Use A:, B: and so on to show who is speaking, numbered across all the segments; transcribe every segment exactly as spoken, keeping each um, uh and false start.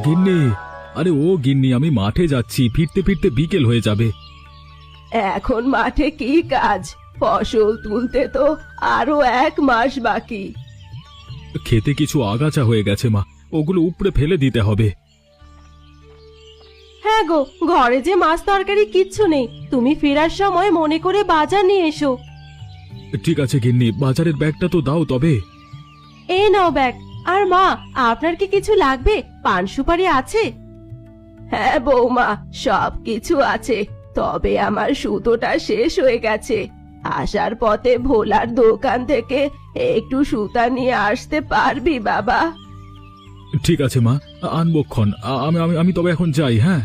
A: গিন্নি, আরে ও গিন্নি, আমি মাঠে যাচ্ছি, ফিরতে ফিরতে বিকেল হয়ে যাবে।
B: এখন মাঠে কি কাজ? ফসল তুলতে তো আরো এক মাস বাকি।
A: খেতে কিছু আগাছা হয়ে গেছে মা, ওগুলো উপড়ে ফেলে দিতে হবে।
B: হ্যাঁ গো, ঘরে যে মাছ তরকারি কিচ্ছু নেই, তুমি ফেরার সময় মনে করে বাজার নিয়ে এসো।
A: ঠিক আছে গিন্নি, বাজারের ব্যাগটা তো দাও তবে।
B: এই নাও ব্যাগ। আর মা, আপনার কি কিছু লাগবে? পান সুপারি আছে? হ্যাঁ বৌমা, সব কিছু আছে, তবে আমার সুতোটা শেষ হয়ে গেছে। আসার পথে ভোলার দোকান থেকে একটু সুতা নিয়ে আসতে পারবি বাবা?
A: ঠিক আছে মা, আনবক্ষণ। আমি আমি আমি তবে এখন যাই। হ্যাঁ।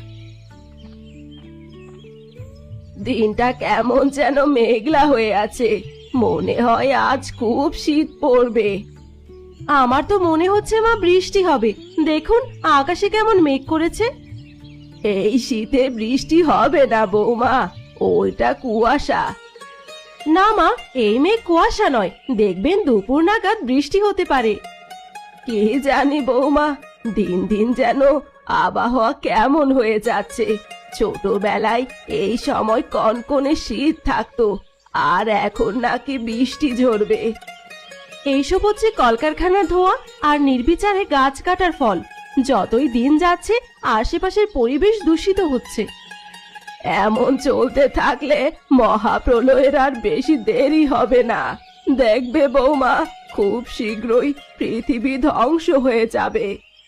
B: দিনটা কেমন যেন মেঘলা হয়ে আছে, মনে হয় আজ খুব শীত পড়বে। আমার তো মনে হচ্ছে মা বৃষ্টি হবে, দেখুন আকাশে কেমন মেঘ করেছে। এই শীতে বৃষ্টি হবে না বৌমা, ওইটা কুয়াশা। না মা, এই মেঘ কুয়াশা নয়, দেখবেন দুপুর নাগাদ বৃষ্টি হতে পারে। কি জানি বৌমা, দিন দিন যেন আবহাওয়া কেমন হয়ে যাচ্ছে। ছোটবেলায় এই সময় কনকনে শীত থাকতো, আর এখন নাকি বৃষ্টি ঝরবে। এইসব হচ্ছে কলকারখানার ধোঁয়া আর নির্বিচারে গাছ কাটার ফল। যতই দিন যাচ্ছে আশেপাশের পরিবেশ দূষিত হচ্ছে। এমন চলতে থাকলে মহাপ্রলয়ের আর বেশি দেরি হবে না। দেখবে বৌমা, খুব শীঘ্রই পৃথিবী ধ্বংস হয়ে যাবে।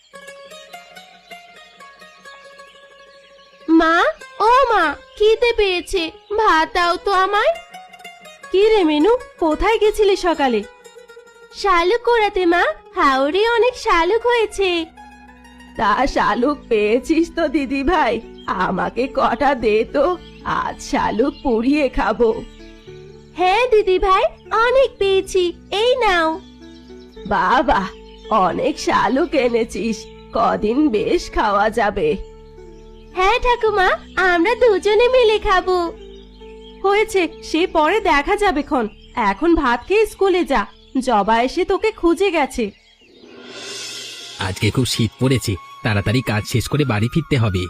B: মা, ও মা, খিদে পেয়েছে, ভাত দাও তো আমায়। কি রে মেনু, কোথায় গেছিলি সকালে? শালুক কোরাতে মা, হাওড়ে অনেক শালুক হয়েছে। তা শালুক পেয়েছিস তো দিদি ভাই? আমাকে কটা দে তো, আজ শালুক পুড়িয়ে খাবো। হ্যাঁ দিদি ভাই, অনেক পেয়েছি, এই নাও। বাবা, অনেক শালুক এনেছিস, কদিন বেশ খাওয়া যাবে। হ্যাঁ ঠাকুমা, আমরা দুজনে মিলে খাবো। হয়েছে, সে পরে দেখা যাবে খন, এখন ভাত খেয়ে স্কুলে যা, জবা এসে তোকে খুঁজে গেছে।
C: আজকে খুব শীত পড়েছে, তাড়াতাড়ি কাজ শেষ করে বাড়ি ফিরতে হবে।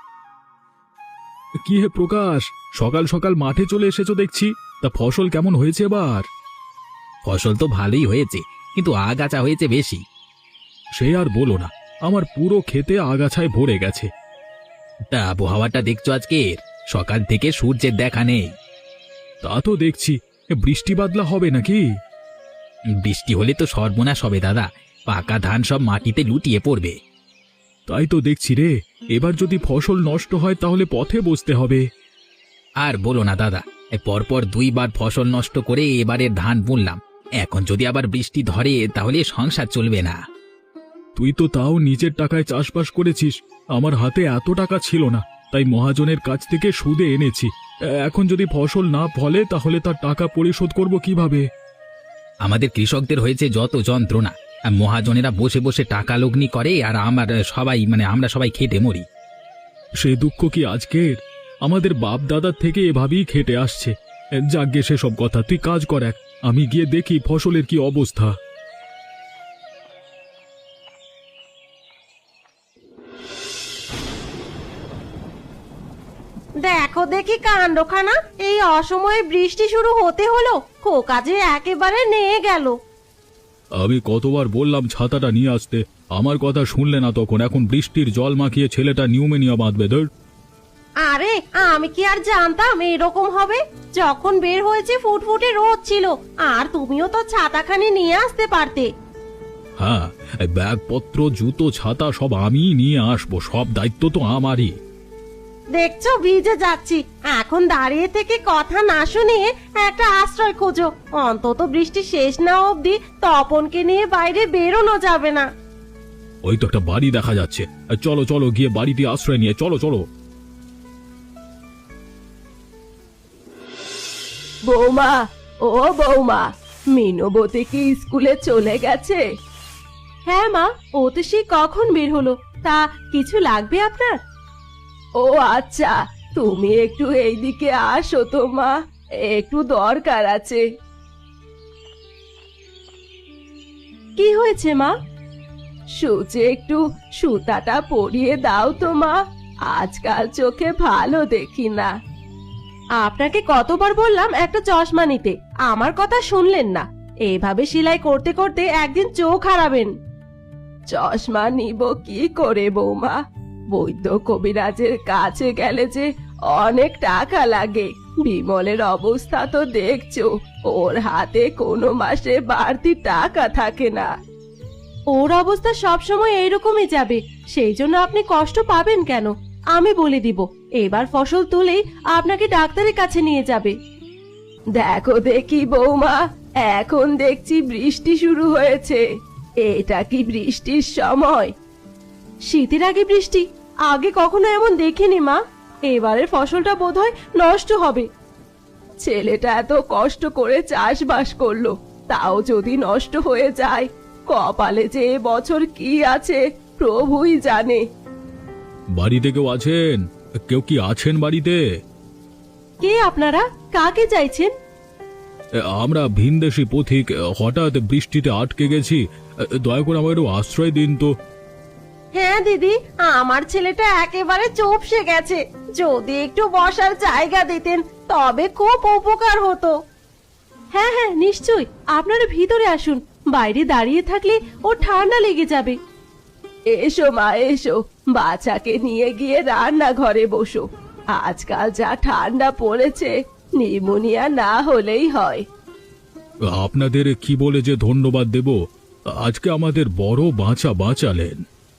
A: কি হে প্রকাশ, সকাল সকাল মাঠে চলে এসেছো দেখছি। তা ফসল কেমন হয়েছে এবার?
C: ফসল তো ভালোই হয়েছে, কিন্তু আগাছা হয়েছে বেশি।
A: সে আর বলো না, আমার পুরো ক্ষেতে আগাছায় ভরে গেছে।
C: তা আবহাওয়াটা দেখছো আজকের, সকাল থেকে সূর্যের দেখা নেই।
A: তা তো দেখছি, বৃষ্টি বাদলা হবে নাকি?
C: বৃষ্টি হলে তো সর্বনাশ হবে দাদা, পাকা ধান সব মাটিতে লুটিয়ে পড়বে।
A: তাই তো দেখছি রে, এবার যদি ফসল নষ্ট হয় তাহলে পথে বসতে হবে।
C: আর বলো না দাদা, পরপর দুইবার ফসল নষ্ট করে এবারের ধান বুনলাম, এখন যদি আবার বৃষ্টি ধরে তাহলে সংসার চলবে না।
A: তুই তো তাও নিজের টাকায় চাষবাস করেছিস, আমার হাতে এত টাকা ছিল না, তাই মহাজনের কাছ থেকে সুদে এনেছি। এখন যদি ফসল না ফলে তাহলে তার টাকা পরিশোধ করব কিভাবে?
C: আমাদের কৃষকদের হয়েছে যত যন্ত্রণা, আর মহাজনেরা বসে বসে টাকা লগ্নি করে, আর আমার সবাই মানে আমরা সবাই খেটে মরি।
A: সে দুঃখ কি আজকের? আমাদের বাপ দাদার থেকে এভাবেই খেটে আসছে। যাগ্গে সেসব কথা, তুই কাজ কর এক, আমি গিয়ে দেখি ফসলের কি অবস্থা।
B: দেখো দেখি কাণ্ডখানা, এই অসময়ে বৃষ্টি শুরু হতে হলো, খোকা যে একেবারে নিয়ে গেল।
A: আমি কতবার বললাম ছাতাটা নিয়ে আসতে, আমার কথা শুনলে না তখন। এখন বৃষ্টির জল মাখিয়ে ছেলেটা নিউমোনিয়া বাঁধবে। ধর,
B: আরে আমি কি আর জানতাম এরকম হবে? যখন বের হয়েছে ফুটফুটে রোদ ছিল, আর তুমিও তো ছাতাখানি নিয়ে আসতে পারতে।
A: হ্যাঁ, ব্যাগপত্র জুতো ছাতা সব আমিই নিয়ে আসবো, সব দায়িত্ব তো আমারই।
B: দেখছো ভিজে যাচ্ছি, এখন দাঁড়িয়ে থেকে কথা না শুনিয়ে একটা আশ্রয় খোঁজো। অন্তত বৃষ্টি শেষ না অবধি তপনকে নিয়ে বাইরে বেরোনো যাবে না।
A: ওই তো একটা বাড়ি দেখা যাচ্ছে, চলো চলো গিয়ে বাড়িতে আশ্রয় নিয়ে চলো চলো।
B: বৌমা, ও বৌমা, মিনবতী কি স্কুলে চলে গেছে? হ্যাঁ মা, ও তো সেই কখন বের হলো। তা কিছু লাগবে আপনার? ও আচ্ছা, তুমি একটু এইদিকে আসো তো মা, একটু দরকার আছে। কি হয়েছে মা? সূচে একটু সুতাটা পরিয়ে দাও তো মা, আজকাল চোখে ভালো দেখি না। আপনাকে কতবার বললাম একটা চশমা নিতে, আমার কথা শুনলেন না। এইভাবে সেলাই করতে করতে একদিন চোখ হারাবেন। চশমা নিব কি করে বৌমা? বৈদ্য কবিরাজের কাছে গেলে যে অনেক টাকা লাগে। বিমলের অবস্থা তো দেখছো, ওর হাতে কোনো মাসে বাড়তি টাকা থাকে না। ওর অবস্থা সবসময় এইরকমই যাবে, সেই জন্য আপনি কষ্ট পাবেন কেন? আমি বলে দিব, এবার ফসল তুলেই আপনাকে ডাক্তারের কাছে নিয়ে যাবে। দেখো দেখি বৌমা, এখন দেখছি বৃষ্টি শুরু হয়েছে। এটা কি বৃষ্টির সময়? শীতের আগে বৃষ্টি? আগে কখনো এমন দেখিনি মা। এবারের ফসলটা বোধহয় নষ্ট হবে। ছেলেটা এত কষ্ট করে চাষবাস করলো, তাও যদি নষ্ট হয়ে যায়, কপালে যে এ বছর কি আছে প্রভুই জানে।
A: বাড়িতে কেউ আছেন? কেউ কি আছেন বাড়িতে?
B: কে আপনারা? কাকে চাইছেন?
A: এ, আমরা ভিনদেশি পথিক, হঠাৎ বৃষ্টিতে আটকে গেছি। এ, দয়া করে আমাকে একটু আশ্রয় দিন তো।
B: হ্যাঁ দিদি, আমার ছেলেটা একেবারে চুপসে গেছে। যদি একটু বসার জায়গা দিতেন তবে খুব উপকার হতো। হ্যাঁ হ্যাঁ নিশ্চয়ই, আপনারা ভিতরে আসুন। বাইরে দাঁড়িয়ে থাকলে ও ঠান্ডা লেগে যাবে। এসো মা এসো, বাচ্চাকে নিয়ে গিয়ে রান্নাঘরে বসো। আজকাল যা ঠান্ডা পড়েছে, নিউমোনিয়া না হলেই হয়।
A: আপনাদের কি বলে যে ধন্যবাদ দেব, আজকে আমাদের বড় বাঁচা বাঁচালেন।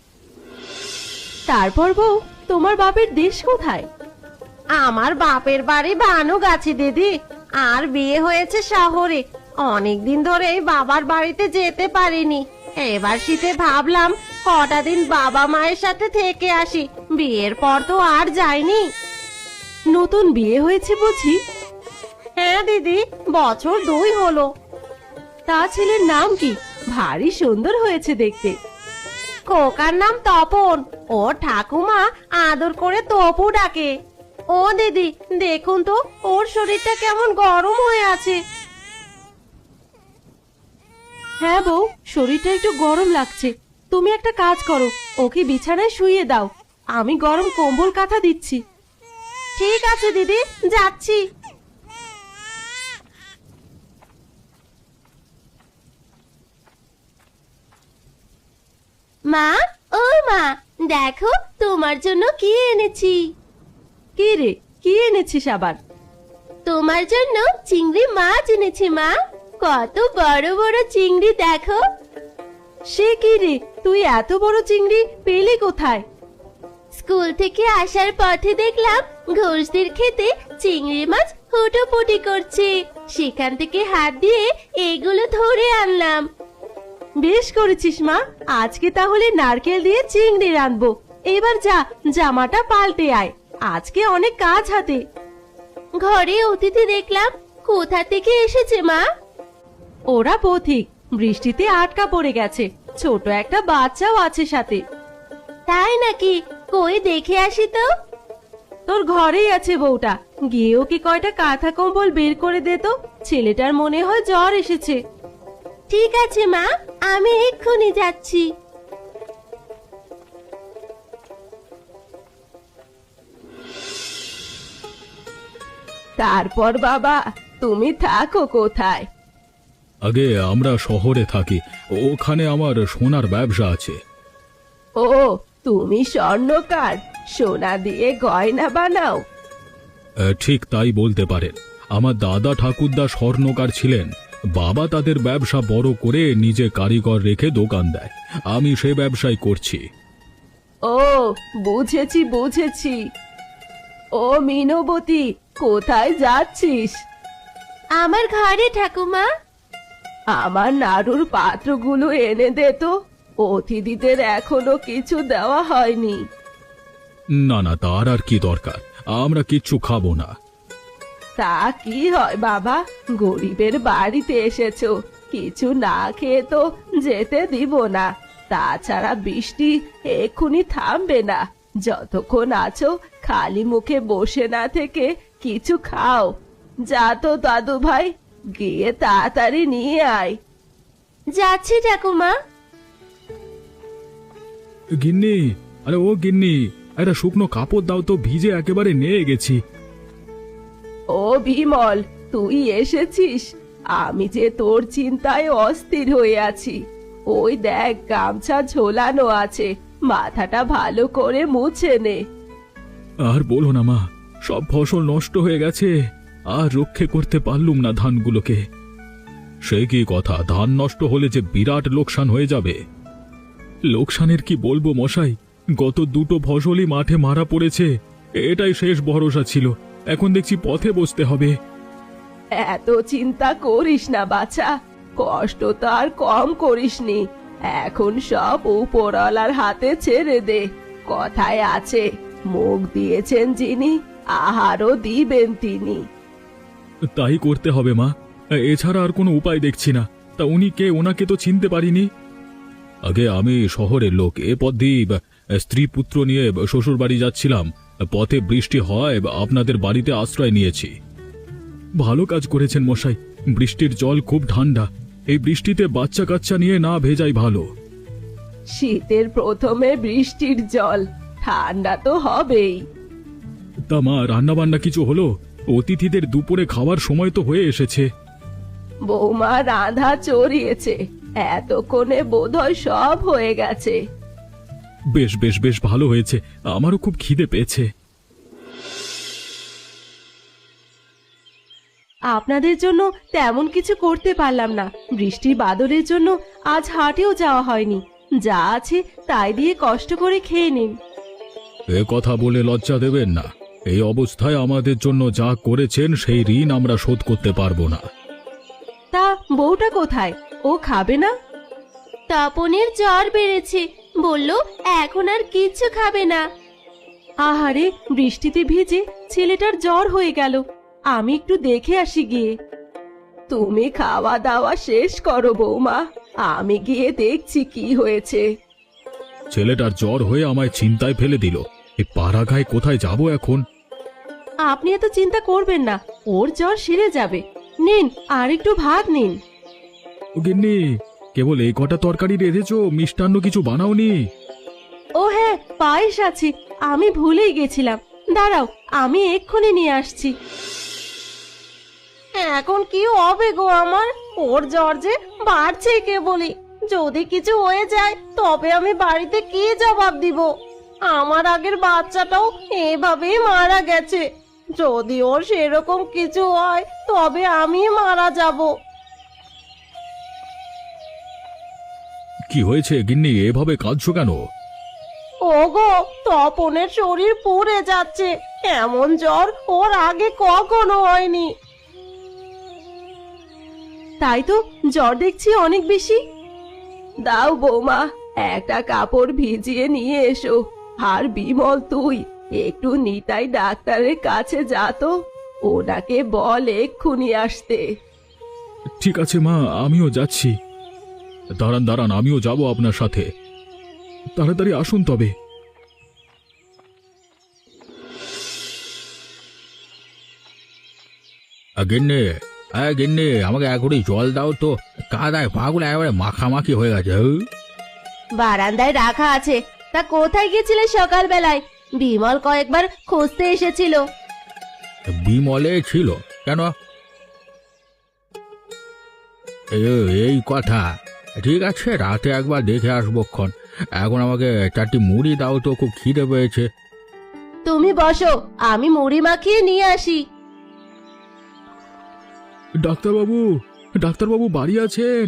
B: তারপর বউ, তোমার বাপের দেশ কোথায়? আমার বাপের বাড়ি ভানুক আছে দিদি, আর বিয়ে হয়েছে শহরে। অনেকদিন ধরে বাবার বাড়িতে যেতে পারিনি। এবার শীতে ভাবলাম কটা দিন বাবা মায়ের সাথে থেকে আসি। বিয়ের পর তো আর যাইনি। নতুন বিয়ে হয়েছে বুঝি? হ্যাঁ দিদি, বছর দুই হলো। তা ছেলের নাম কি? ভারী সুন্দর হয়েছে দেখতে। খোকার নাম তপন, ও ঠাকুমা আদর করে তপু ডাকে। ও দিদি দেখুন তো, ওর শরীরটা কেমন গরম হয়ে আছে। হ্যাঁ বউ, শরীরটা একটু গরম লাগছে। তুমি একটা কাজ করো, ওকে বিছানায় শুইয়ে দাও। আমি গরম কম্বল কাঁথা দিচ্ছি। ঠিক আছে দিদি, যাচ্ছি। মা, ও মা, দেখো তোমার জন্য কি এনেছি। কি রে, কি এনেছিস আবার? তোমার জন্য চিংড়ি মাছ এনেছি মা। কত বড় বড় চিংড়ি দেখো। সে কি রে, তুই এত বড় চিংড়ি পেলি কোথায়? স্কুল থেকে আসার পথে দেখলাম ঘোষদের খেতে চিংড়ি মাছ হুটোপুটি করছে। সেখান থেকে হাত দিয়ে এগুলো ধরে আনলাম। বেশ করেছিস মা, আজকে তাহলে নারকেল দিয়ে চিংড়ি রাঁধবো। এবার যা, জামাটা পাল্টে আয়, আজকে অনেক কাজ হাতে। ঘরে অতিথি দেখলাম, কোথা থেকে এসেছে মা? ওরা পথিক, বৃষ্টিতে আটকা পড়ে গেছে। ছোট একটা বাচ্চাও আছে সাথে। তাই নাকি? কই দেখে আসি তো। তোর ঘরেই আছে বউটা, গিয়ে ওকে কয়টা কাঁথা কম্বল বের করে দে তো। ছেলেটার মনে হয় জ্বর এসেছে। ঠিক আছে মা, আমি এক্ষুনি যাচ্ছি। তারপর বাবা, তুমি থাকো কোথায়?
A: আগে আমরা শহরে থাকি, ওখানে আমার সোনার ব্যবসা আছে।
B: ও, তুমি স্বর্ণকার, সোনা দিয়ে গয়না বানাও?
A: এ, ঠিক তাই বলতে পারেন। আমার দাদা ঠাকুরদা স্বর্ণকার ছিলেন। বাবা তাদের ব্যবসা বড় করে নিজে কারিগর রেখে দোকান দেয়, আমি সে ব্যবসায় করছি।
B: ও, বুঝেছি বুঝেছি। ও মিনবতী, কোথায় যাচ্ছিস? আমার ঘরে ঠাকুমা। আমার নাড়ুর পাত্রগুলো এনে দে তো, অতিথিদের এখনো কিছু দেওয়া হয়নি।
A: না না, তার আর কি দরকার, আমরা কিচ্ছু খাবো না।
B: তা কি হয় বাবা, গরিবের বাড়িতে এসেছো, কিছু না খেয়ে তো যেতে দিব না। তাছাড়া বৃষ্টি এক্ষুনি থামবে না। যতক্ষণ আছো খালি মুখে বসে না থেকে কিছু খাও। যা তো দাদু ভাই, গিয়ে তাড়াতাড়ি নিয়ে আয়। যাচ্ছি ঠাকুমা।
A: গিন্নি, আরে ও গিন্নি, একটা শুকনো কাপড় দাও তো, ভিজে একেবারে নিয়ে গেছি।
B: ও বিমল, তুই এসেছিস? আমি যে তোর চিন্তায় অস্থির হয়ে আছি। ওই দেখ, গামছা ঝোলানো আছে, মাথাটা ভালো করে মুছে নে।
A: আর বলো না মা, সব ফসল নষ্ট হয়ে গেছে, আর রক্ষে করতে পারলুম না ধানগুলোকে। সে কি কথা, ধান নষ্ট হলে যে বিরাট লোকসান হয়ে যাবে। লোকসানের কি বলবো মশাই, গত দুটো ফসলই মাঠে মারা পড়েছে, এটাই শেষ ভরসা ছিল, এখন দেখছি পথে বসতে হবে।
B: এত চিন্তা করিস না বাছা, কষ্ট তো আর কম করিসনি। এখন সব উপরওয়ালার হাতে ছেড়ে দে। কথায় আছে, মুখ দিয়েছেন যিনি, আহারও দিবেন তিনি।
A: তাই করতে হবে মা, এছাড়া আর কোনো উপায় দেখছি না। তা উনি কে, ওনাকে তো চিনতে পারিনি। আগে আমি শহরের লোক, এ পথ দিয়ে স্ত্রী পুত্র নিয়ে শ্বশুর বাড়ি যাচ্ছিলাম, পথে বৃষ্টি হয়, আপনাদের বাড়িতে আশ্রয় নিয়েছি। ভালো কাজ করেছেন মশাই, বৃষ্টির জল খুব ঠান্ডা, এই বৃষ্টিতে বাচ্চা কাচ্চা নিয়ে না ভেজাই ভালো।
B: শীতের প্রথমে বৃষ্টির জল, ঠান্ডা তো হবেই।
A: তা মা, রান্না বান্না কিছু হলো? অতিথিদের দুপুরে খাওয়ার সময় তো হয়ে এসেছে।
B: বৌমা রাধা চড়িয়েছে, এতক্ষণে বোধহয় সব হয়ে গেছে।
A: বেশ বেশ বেশ ভালো হয়েছে, আমারও খুব খিদে পেয়েছে।
B: আপনাদের জন্য তেমন কিছু করতে পারলাম না, বৃষ্টি বাদলের জন্য আজ হাটেও যাওয়া হয়নি। যা আছে তাই দিয়ে কষ্ট করে খেয়ে নিন।
A: এ কথা বলে লজ্জা দেবেন না, এই অবস্থায় আমাদের জন্য যা করেছেন সেই ঋণ আমরা শোধ করতে পারবো না।
B: তা বউটা কোথায়? ও খাবে না?
D: তপনের জ্বর বেড়েছে, বলল এখন আর কিচ্ছু খাবে না।
B: আহারে, বৃষ্টিতে ভিজে ছেলেটার জ্বর হয়ে গেল, আমি একটু দেখে আসি গিয়ে। তুমি খাওয়া দাওয়া শেষ করো বৌমা, আমি গিয়ে দেখছি কি হয়েছে।
A: ছেলেটার জ্বর হয়ে আমায় চিন্তায় ফেলে দিল, এই পাড়াগায় কোথায় যাব এখন?
B: আপনি এত চিন্তা করবেন না, ওর জ্বর সেরে যাবে। নিন, আর একটু ভাত নিন।
A: ও গিন্নি, কেবল এই কটা তরকারি রেঁধেছো, মিষ্টান্ন কিছু বানাওনি?
B: ও হ্যাঁ, পায়েস আছে, আমি ভুলেই গেছিলাম। দাঁড়াও, আমি এক্ষুনি নিয়ে আসছি।
D: এখন কি হবে গো আমার? ওর জ্বর যে বাড়ছে কেবলই, যদি কিছু হয়ে যায় তবে আমি বাড়িতে কি জবাব দিব? আমার আগের বাচ্চাটাও এভাবেই মারা গেছে, যদি ওর সেরকম কিছু হয় তবে আমি মারা যাব।
A: কি হয়েছে গিন্নি, এভাবে কাঁদছো কেন?
D: ওগো, তপনের শরীর পুড়ে যাচ্ছে, এমন জ্বর ওর আগে কখনো হয়নি।
B: তাই তো, জ্বর দেখছি অনেক বেশি। দাও বৌমা, একটা কাপড় ভিজিয়ে নিয়ে এসো। আর বিমল, তুই একটু নিতাই ডাক্তারের কাছে যা তো, ওনাকে বল এক্ষুনি আসতে।
A: ঠিক আছে মা, আমিও যাচ্ছি। দাঁড়ান দাঁড়ান, আমিও যাব আপনার সাথে। তাড়াতাড়ি আসুন তবে। গিন্নি, হ্যাঁ গিন্নি, আমাকে এক ঘুড়ি জল দাও তো, কাদায় পাগুলো একেবারে মাখামাখি হয়ে গেছে।
D: বারান্দায় রাখা আছে। তা কোথায় গেছিলে সকালবেলায়? বিমল কয়েকবার খুঁজতে এসেছিল।
A: বিমলে ছিল কেন? এ- এই কথা, ঠিক আছে, রাতে একবার দেখে আসবো ক্ষণ। এখন আমাকে চারটি মুড়ি দাও তো, খুব খিদে পেয়েছে।
D: তুমি বসো, আমি মুড়ি মাখিয়ে নিয়ে আসি।
A: ডাক্তারবাবু, ডাক্তারবাবু বাড়ি আছেন?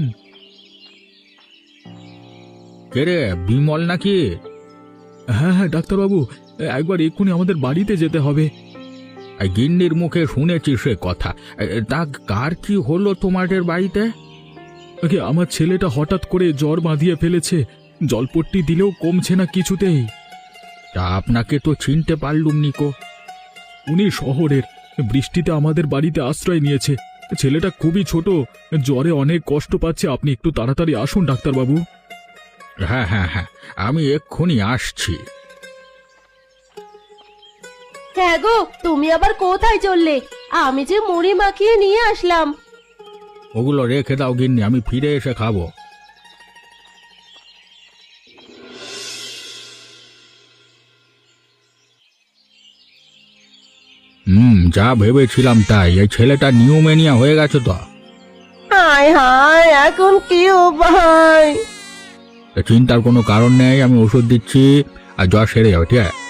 A: কে রে, বিমল নাকি? হ্যাঁ হ্যাঁ ডাক্তারবাবু, একবার এক্ষুনি আমাদের বাড়িতে যেতে হবে। গিন্নির মুখে শুনেছি সে কথা, তা কার কি হলো তোমাদের বাড়িতে? আগে আমার ছেলেটা হঠাৎ করে জ্বর বাঁধিয়ে ফেলেছে, জলপট্টি দিলেও কমছে না কিছুতেই। তা আপনাকে তো চিনতে পারলুম নিকো। উনি শহরের, বৃষ্টিতে আমাদের বাড়িতে আশ্রয় নিয়েছে। ছেলেটা খুবই ছোট, জ্বরে অনেক কষ্ট পাচ্ছে, আপনি একটু তাড়াতাড়ি আসুন ডাক্তারবাবু। হ্যাঁ হ্যাঁ হ্যাঁ, আমি এক্ষুনি আসছি।
D: হ্যাঁ গো, তুমি আবার কোথায় চললে? আমি যে মুড়ি মাখিয়ে নিয়ে আসলাম।
A: ওগুলো রেখে দাও গিন্নি, আমি ফিরে এসে খাবো।
C: হুম, যা ভেবেছিলাম তাই, এই ছেলেটা নিউমেনিয়া হয়ে গেছে তো।
D: হায় হায়, এখন কি উপায়?
C: তা চিন্তার কোনো কারণ নেই, আমি ওষুধ দিচ্ছি আর জ্বর সেরে যাবে, ঠিক আছে?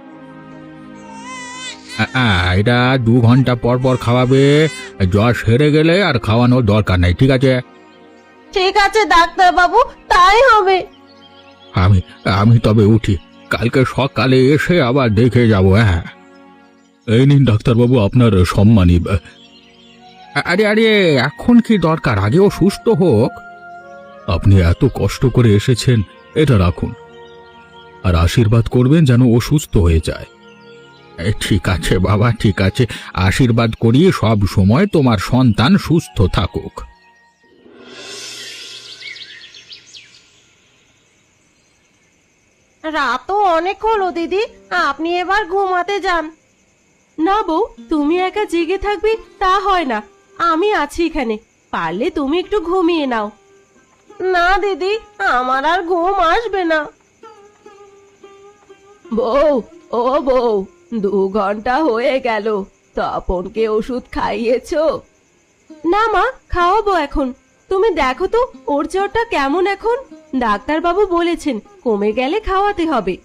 C: আ, আ, এটা দু ঘন্টা পর পর খাওয়াবে, জ্বর সেরে গেলে আর খাওয়ানোর দরকার নেই, ঠিক আছে?
D: ঠিক আছে ডাক্তার বাবু, তাই হবে।
C: আমি আমি তবে উঠি, কালকে সকালে এসে আবার দেখে যাব। হ্যাঁ,
A: এই নিন ডাক্তারবাবু আপনার সম্মানী।
C: আরে আরে, এখন কি দরকার, আগেও সুস্থ হোক।
A: আপনি এত কষ্ট করে এসেছেন, এটা রাখুন আর আশীর্বাদ করবেন যেন ও সুস্থ হয়ে যায়।
C: এ, ঠিক আছে বাবা, ঠিক আছে, আশীর্বাদ করি সব সময় তোমার সন্তান সুস্থ থাকুক।
D: রাতও অনেক হলো দিদি, আপনি এবার ঘুমাতে যান।
B: না বউ, তুমি একা জেগে থাকবে তা হয় না, আমি আছি এখানে, পারলে তুমি একটু ঘুমিয়ে নাও।
D: না দিদি, আমার আর ঘুম আসবে না।
B: বউ, ও বউ, দু ঘন্টা হয়ে গেল, তপনকে ওষুধ খাইয়েছো? না মা, খাওয়াবো এখন। তুমি দেখো তো ওর জ্বরটা কেমন এখন, ডাক্তারবাবু বলেছেন কমে গেলে খাওয়াতে হবে।